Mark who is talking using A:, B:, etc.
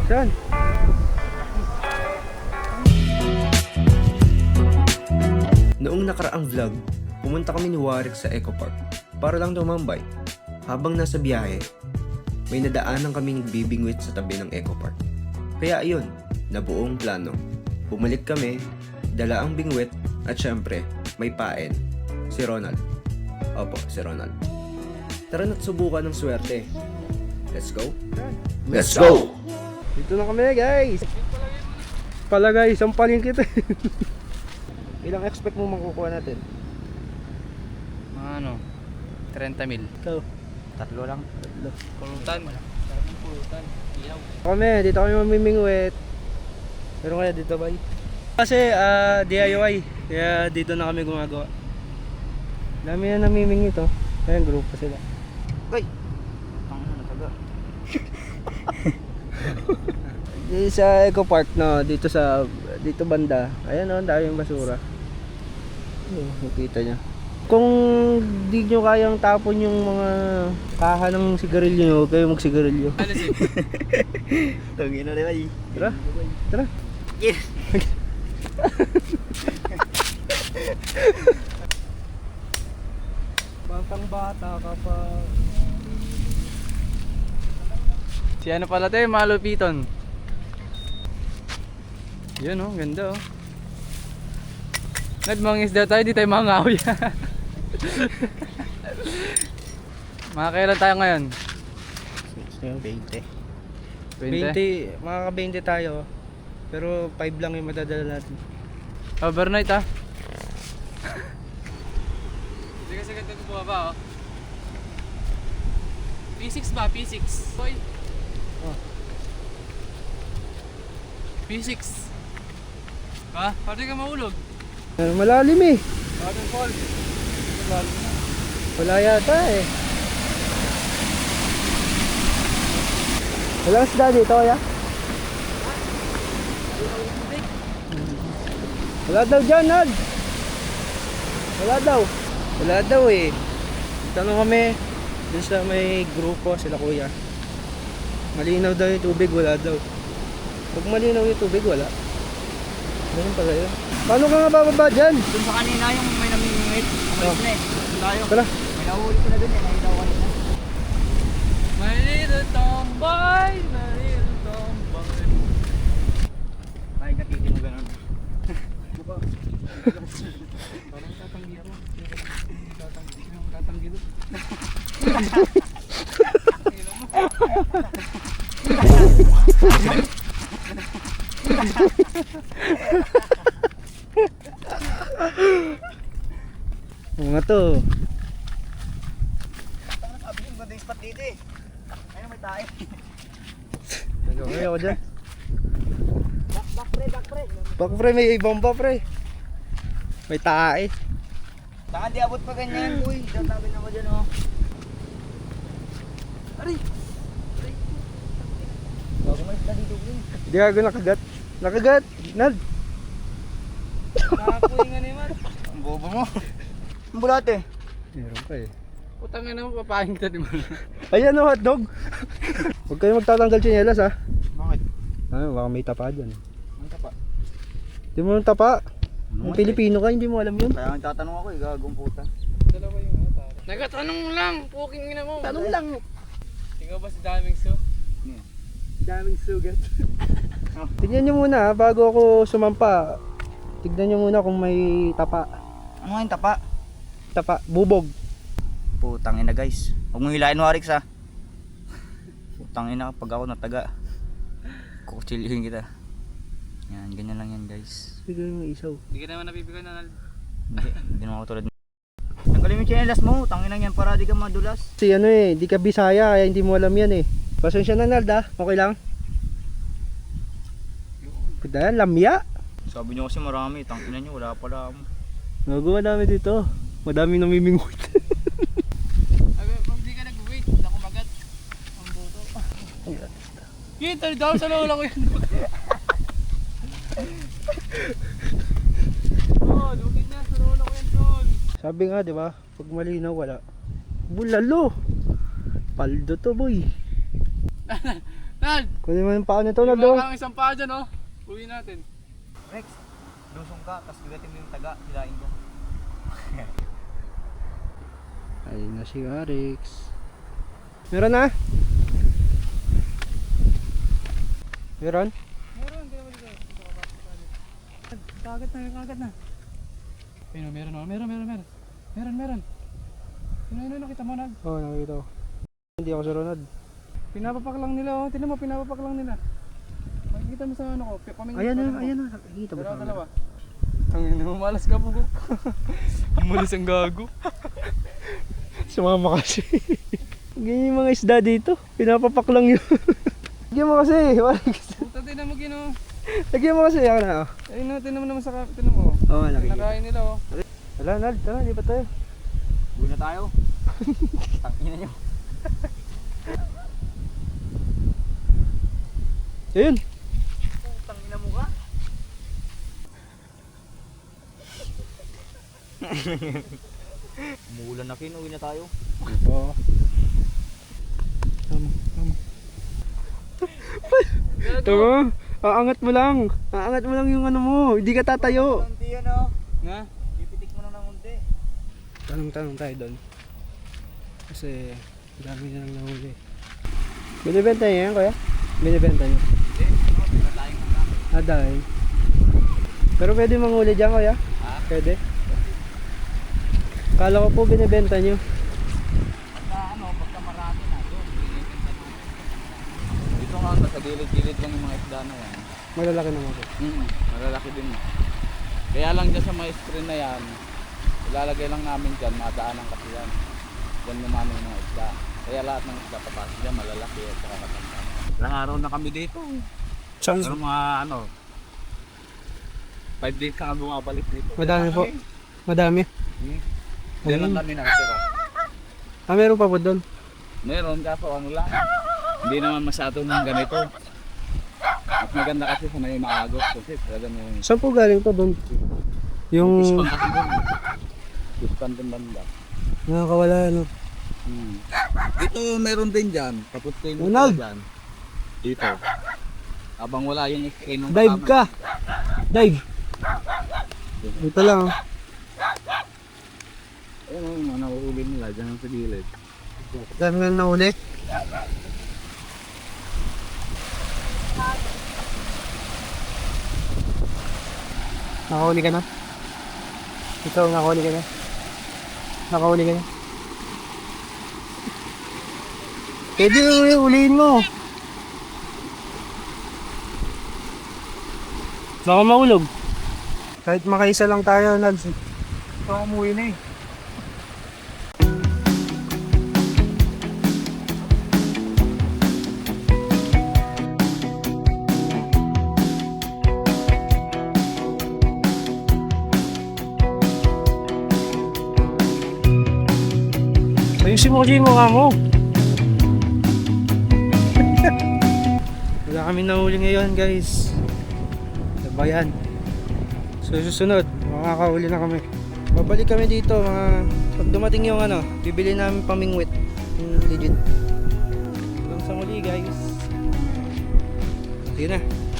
A: Saan?
B: Noong nakaraang vlog, pumunta kami ni Warwick sa Eco Park para lang tumambay. Habang nasa biyahe, may nadaanan kaming bibingwit sa tabi ng Eco Park. Kaya ayun, nabuong plano. Bumalik kami, dala ang bingwit at syempre, may paen. Si Ronald. Opo, si Ronald. Tara na't subukan ng swerte. Let's go. Let's go!
A: Dito na kami guys. Pala guys, ang palingkit. Ilang expect mo makukuha natin?
C: Mga ano, 30 mil.
A: Ikaw?
C: Tatlo lang. Pulutan. Sarap pulutan. Ilaw.
A: Dito kami mamimingwit. Pero kaya dito ba? Kasi DIY. Kaya dito na kami gumagawa. Dami na namimingwit oh. Ayan, grupo sila.
C: Goy! Tangina na taga.
A: Dito sa Eco Park no, dito banda. Ayan oh, ang daming basura. Nakita niya. Kung di nyo kayang tapon yung mga kaha ng sigarilyo nyo, kayo magsigarilyo.
C: Tangina na bay.
A: Tara, tara.
C: Yes!
A: Batang bata ka pa.
C: Si ano pala tayo, malupiton. Yun oh, ganda oh. Nagmangisda tayo, di tayo mangawi. Mga kailan tayo ngayon?
A: 20.
C: 20?
A: 20, makaka-20 tayo. Pero 5 lang yung madadala natin.
C: Overnight ah. Hindi kasi ganda ko bumaba oh. P6 ba? P6 boy.
A: Oh.
C: P6 ha? Pwede ka maulog.
A: Malalim eh.
C: Waterfall.
A: Wala yata eh. Walang isda dito kaya? Wala daw dyan, Nad. Wala daw eh. Tanong kami dun sa may grupo sila kuya. Malinaw daw yung tubig, wala daw. Pag malinaw yung tubig, wala. Ganun pala yun. Paano ka nga bababa dyan?
C: Dun sa kanina yung may namimingit. Umalis na eh. Dun tayo.
A: Tara.
C: May nahuli ko na dun eh. Nakita ko kanina. My little tomboy, my little tomboy. Ay, katiti mo ganun. Buka. Parang tatanggi ako. Tatanggi doon.
A: Mga to.
C: Sabi yung ganda yung spot dito eh. Ayun may tayo.
A: Nagawin ako dyan.
C: Back pre.
A: Bak pre, may bomba pre. May tae.
C: Baka di abot pa ganyan, uy. Tatabi na ako dyan, oh. Aray! Bago may isda dito, uy.
A: Di ako nakagat. Nakagat! Nad!
C: Nakakuha nga naman. Ang bobo mo. Ang bulate.
A: Meron pa eh.
C: Putang ina mo, papahin kita, di ba?
A: Ayan o, hotdog! Huwag kayo magtatanggal tsinelas ha.
C: Bakit?
A: Baka may tapa dyan.
C: Ang tapa.
A: Di mo yung tapa? Ang Pilipino ka, hindi mo alam yun.
C: Kaya nagtatanong ako, gagong puta. Dalawa yung ano, tara. Nagtatanong lang, puking ina mo.
A: Tanong lang.
C: Ikaw ba si Daming Su?
A: Daming sugat. Tignan nyo muna ha, bago ako sumampa. Tignan nyo muna kung may tapa.
C: Ano nga yung tapa?
A: Tapa, bubog.
C: Putang ina guys. Huwag mong hilain mo Arix ha. Putang ina pag ako nataga. Kukutsilihin kita. Yan, ganyan lang yan guys.
A: Tignan mo isaw.
C: Hindi ka naman napipigan na. Hindi naman ako tulad. Tanggalin mo yung chinelas mo. Tangin yan para di ka madulas.
A: Kasi ano eh, di ka Bisaya kaya hindi mo alam yan eh. Pasensya na Nald ha, okay lang? Kuda yan, lamya.
C: Sabi nyo kasi marami. Tangin nyo, wala pala mo.
A: Nagawa namin dito. Madaming namimingwit.
C: Pag di ka nag-wait, nakumagat. Ang boto. Kita, dahil sa lola ko yan. Oh, lugin na sa lola ko yan, tol.
A: Sabi nga, di ba? Pag malinaw wala. Bulalo. Paldo to, boy.
C: Nald!
A: Kunin mo yung paa nito, Nald. Oh.
C: Ang isang paa dyan, oh. Uwi natin.
D: Rex, lusong ka, tapos bigatin mo yung taga, hilain ko.
A: Ayun na si Arix. Meron na? Meron?
C: Meron, kaya wala ka. Kagat na. Ayun, meron, oh. Meron. Yun, nakita mo, Nald.
A: Oo, nakikita ko. Hindi ako sa Ronald.
C: Pinapapak lang nila, oh. Tignan mo, pinapapak lang nila. Makikita mo sa ano ko, pamingin
A: Ayan
C: pa
A: na,
C: rin mo.
A: ayan na. Nakikita mo sa
C: Dalawa. Ang malas ka, bugok. Umalis ang gago.
A: Sumama kasi. Ganyan yung mga isda dito. Pinapapak lang yun. Lagyan mo kasi.
C: Puta, tinan mo, Gino.
A: Lagyan mo kasi. Ako na, oh.
C: Ayun na, tinan mo naman sa tinan mo.
A: Oo, nakikita.
C: Nakain nila, oh.
A: Wala, Nald. Tara, lipat tayo.
D: Uwi na tayo. Tangina nyo.
A: Ayun.
D: Tangina mo ka. Umuulan na kin, uwi na tayo.
A: Oo. Tama. Tama. Aangat mo lang. Aangat mo lang yung ano mo. Hindi ka tatayo.
D: Hindi yan oh.
C: Nga?
D: Pipitik mo lang ng unti.
A: Tanong tayo doon. Kasi dami na lang nahuli. Binibenta niya yan, kuya? Binibenta niya. Dahil. Pero pwede manghuli dyan, kuya? Pwede. Kala ko po binibenta niyo.
D: Pagka marami na doon, binibenta namin. Dito nga, sa gilid-gilid lang yung mga isda na yan.
A: Malalaki naman po.
D: Malalaki din. Kaya lang dyan sa mga screen na yan, ilalagay lang namin dyan, madaanan kasi yan. Dyan naman yung mga isda. Kaya lahat ng isda papasok dyan, malalaki at saka katanda. Ilang araw na kami dito. Pero mga 5 days ka bumabalik dito.
A: Madami po. Madami.
D: Diyan lang kami nakatira.
A: Meron pa po doon.
D: Meron kaso ano lang. Hindi naman masyado ng ganito. Mas maganda kasi sa may maagos kasi talaga may
A: Saan po galing to doon? Yung
D: ispan kasi doon. Ispan din banda.
A: nakakawala ano.
D: Dito meron din dyan. Tapos kayo
A: Ronald!
D: dyan. Dito. Abang wala yung screen ng
A: Dive ka. Dive. Dito lang. Oh.
D: Ayun yung mga nauuli nila dyan sa gilid.
A: Dami nga nahuli. Nakahuli ka na? Ikaw, nakahuli ka na? Nakahuli ka na? Pwede ulihin mo. Baka mahulog. Kahit makaisa lang tayo, Nads.
D: Ito umuwi na eh.
A: Ayusin mo kasi yung mukha mo. Wala kami nahuli ngayon, guys. Sabayan. So susunod, makakahuli na kami. Babalik kami dito pag dumating yung bibili namin pamingwit. Legit. Hanggang sa muli, guys. Sige na.